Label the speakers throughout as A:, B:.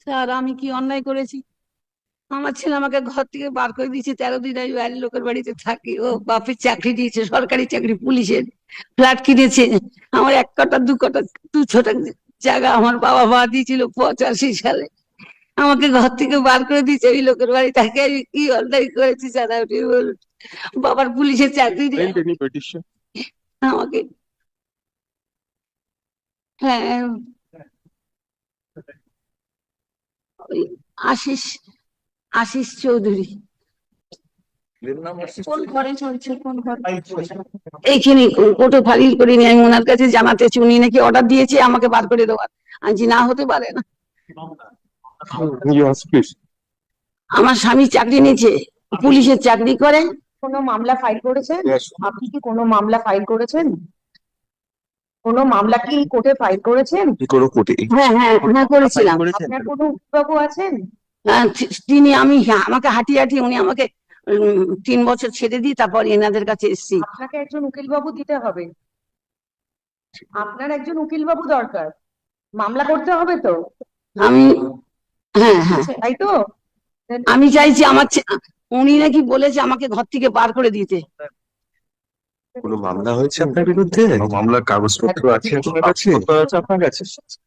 A: Sir আমি কি অন্যায় করেছি? আমার ছেলে আমাকে ঘর থেকে বার করে দিয়েছে, 13 দিন আমি বাইরের লোকের বাড়িতে থাকি। ও বাপের চাকরি দিয়েছে, সরকারি চাকরি, পুলিশের ফ্ল্যাট কিনেছে। আমার 1 কাঠা 2 কাঠা 2 ছোট জায়গা আমার বাবা মা দিয়েছিল 85 সালে। আমাকে ঘর থেকে বার করে দিয়েছে ওই লোকের বাড়ি থাকে। আমি কি অন্যায় করেছি স্যার আপনি বলুন? বাবার পুলিশের চাকরি দিয়ে
B: Filed any petition?
A: আমাকে, হ্যাঁ, ওই আশিস আশিস চৌধুরী।
C: কোন ঘরে চলছে, কোন ঘরে?
A: এইখানে কোর্টে ফাইল করিনি, আমি ওনার কাছে জানাতেছি, উনি নাকি অর্ডার দিয়েছে আমাকে বার করে দেওয়ার। আজ না হতে পারে না।
B: Yes, please.
A: আমার স্বামী চাকরি নিয়েছে, পুলিশের চাকরি করে।
C: কোনো মামলা ফাইল করেছেন?
B: Yes.
C: আপনি কি কোনো মামলা ফাইল করেছেন? কোনো মামলা কি কোর্টে ফাইল করেছেন?
D: কোনো কোর্টে
A: হ্যাঁ হ্যাঁ হ্যাঁ করেছিলাম।
C: আপনার কোনো উকিলবাবু আছেন?
A: তিনি আমি, হ্যাঁ, আমাকে হাঁটিয়ে হাঁটিয়ে উনি আমাকে 3 বছর ছেড়ে দিয়ে তারপর এনাদের কাছে এসেছি।
C: আপনাকে একজন উকিলবাবু দিতে হবে। আপনার একজন উকিলবাবু দরকার। মামলা করতে হবে তো,
A: আমি, হ্যাঁ হ্যাঁ,
C: তাই তো?
A: আমি চাইছি আমার উনি নাকি বলেছে আমাকে ঘর থেকে বার করে দিতে।
D: কোনো মামলা হয়েছে আপনার বিরুদ্ধে?
B: কোনো মামলার কাগজপত্র আছে আপনার কাছে?
D: আপনার কাছে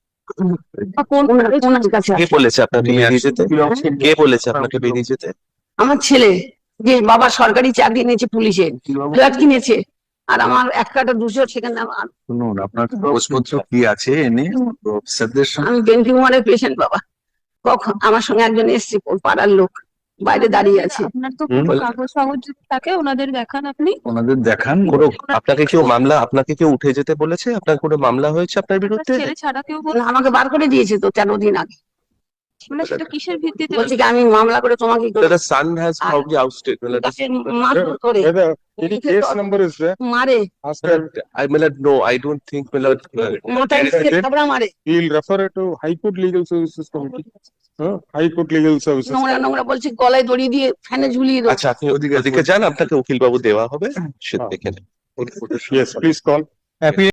A: ওনার কাছে
D: কে বলেছে আপনাকে
B: নিয়ে
D: বেরিয়ে যেতে?
B: আসুন।
D: কে বলেছে আপনাকে বেরিয়ে যেতে?
A: আমার ছেলে, যে বাবা সরকারি চাকরি নিয়েছে, পুলিশের ফ্ল্যাট কিনেছে, আর আমার 1 কাঠা 200 সেখানে
B: শুনুন, আপনার কাগজপত্র কি আছে এনে অফিসারদের সঙ্গে।
A: আমি বেন্টি কুমারের পেশেন্ট বাবা। কখন আমার সঙ্গে একজন এসছে, পাড়ার লোক বাইরে দাঁড়িয়ে আছে।
C: আপনার তো কোনো কাগজ ফাগজ যদি থাকে ওনাদের দেখান আপনি।
B: ওনাদের দেখান।
D: কোনো আপনাকে কেউ উঠে যেতে বলেছে? আপনার কোনো মামলা হয়েছে আপনার বিরুদ্ধে?
C: ছেলে ছাড়া কেউ
A: না, আমাকে বার করে দিয়েছে তো 13 দিন আগে।
C: মানে সেটা কিসের ভিত্তিতে?
A: বলছি কি আমি মামলা করে তোমাকে
D: The son has probably ousted.
A: তাকে মারধর করে
B: Any case number is there?
A: মারে,
B: Ask her.
D: No, I don't think.
A: মাথায় থাবড়া মারে,
B: He'll refer it to High Court Legal Services Committee. High Court Legal Services.
A: নোংরা নোংরা বলছি, গলায় দড়ি দিয়ে ফ্যানে ঝুলিয়ে দেবো।
D: আচ্ছা, আপনি ওদিকে যান, আপনাকে উকিল বাবু দেওয়া হবে, সে দেখে নেন।
B: Yes, please call.